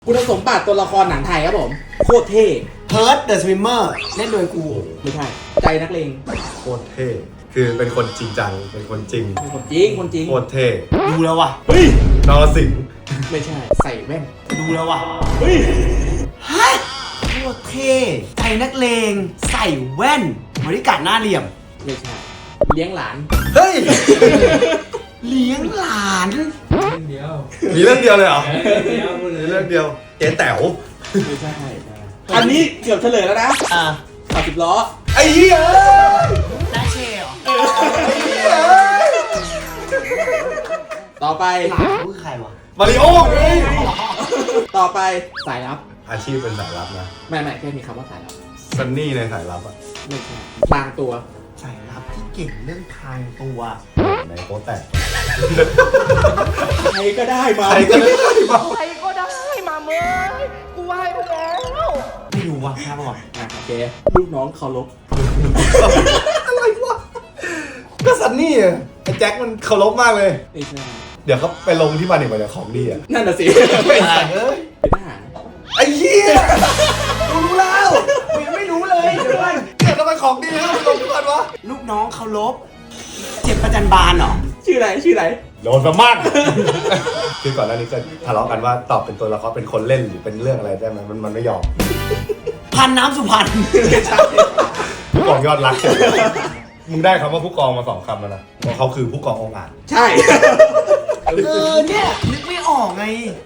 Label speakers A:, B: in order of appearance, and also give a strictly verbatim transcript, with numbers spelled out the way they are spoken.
A: คุณสมบัติตัวละครหนังไทยครับผมโคตรเท่
B: เพิร์ดเดอะสวิมเมอร์เล่นโดยกู
A: ไม่ใช่ใจนักเลง
C: โคตรเท่คือเป็นคนจริงจังเป็นคนจริง
A: เป็นคนจริงคนจริง
C: โคตรเท่
B: ดูแล้วว่ะ
A: เฮ้ย
C: นรสิงห์
A: ไม่ใช่ใส่แว่น
B: ดูแล้วว่ะ
A: เฮ้ย
B: ฮะโคตรเท่ใจนักเลงใส่แว่นบริการหน้าเหลี่ยม
A: ไม่ใช่เลี้ยงหลาน
C: เฮ้ย
B: เลี้ยงหลาน
D: เดียว
C: มีเรื่องเดียวเลยเหรอ
D: เดียว
C: มีเรื่องเดียวเจ๊แต๋ว
A: ไม่ใช่อันนี้เกือบเฉลยแล้วนะ
B: อ่า
A: ขับสิบล้อ
C: ไอ้เหี้ย
B: น้าเชล
A: ต่อไป
B: หลานเขาคือใครวะ
C: มาริโอไง
A: ต่อไปสายลับ
C: อาชีพเป็นสายลับนะ
A: ไม่ไม่แค่มีคำว่าสายลับ
C: ซันนี่ในสายลับอะ
A: ไม่ใช่พลางตัว
B: ใส่รับที่เก่งเรื่องทางตัว
C: ในโป๊แตก
A: ใครก็ได้มา
C: ใครก็ได้มา
E: ใครก็ได้มาเมยกูไหว้ไปแล้ว
B: ไม่รู้ว่ะครับก่อน
A: อ่ะโอเคลูกน้องเคารพ
C: อะไรวะก็ซันนี่อะไอ้แจ็คมันเคารพมากเลย
A: ไม่ใช่
C: เดี๋ยวเขาไปลงที่บ้านอีกวันของดีอะ
A: นั่นน่ะสิ
C: ไม่ใช่เอ้ย
A: เป็นทหาร
C: ไอ้เหี้ยรู้แล้วกูยังไม่รู้เลยเดี๋ยวก่อนเดี๋ยวทำไมของดีแล้วไปลงที่บ้านวะ
B: ลูกน้องเคารพเจ็บประจันบานเหรอ
A: ชื่ออะไรชื่ออะไร
C: โดนประมาทคือก่อนหน้านี้ก็ทะเลาะกันว่าตอบเป็นตัวละครเป็นคนเล่นหรือเป็นเรื่องอะไรได้ไหมมันมันไม่ยอม
B: พันน้ำสุพรรณ
C: ผู้กองยอดรัก มึงได้คำว่าผู้กองมาสองคำแล้วนะเพราะเขาคือผู้กององอาจ
A: ใช่
B: เออเนี่ยนึกไม่ออกไง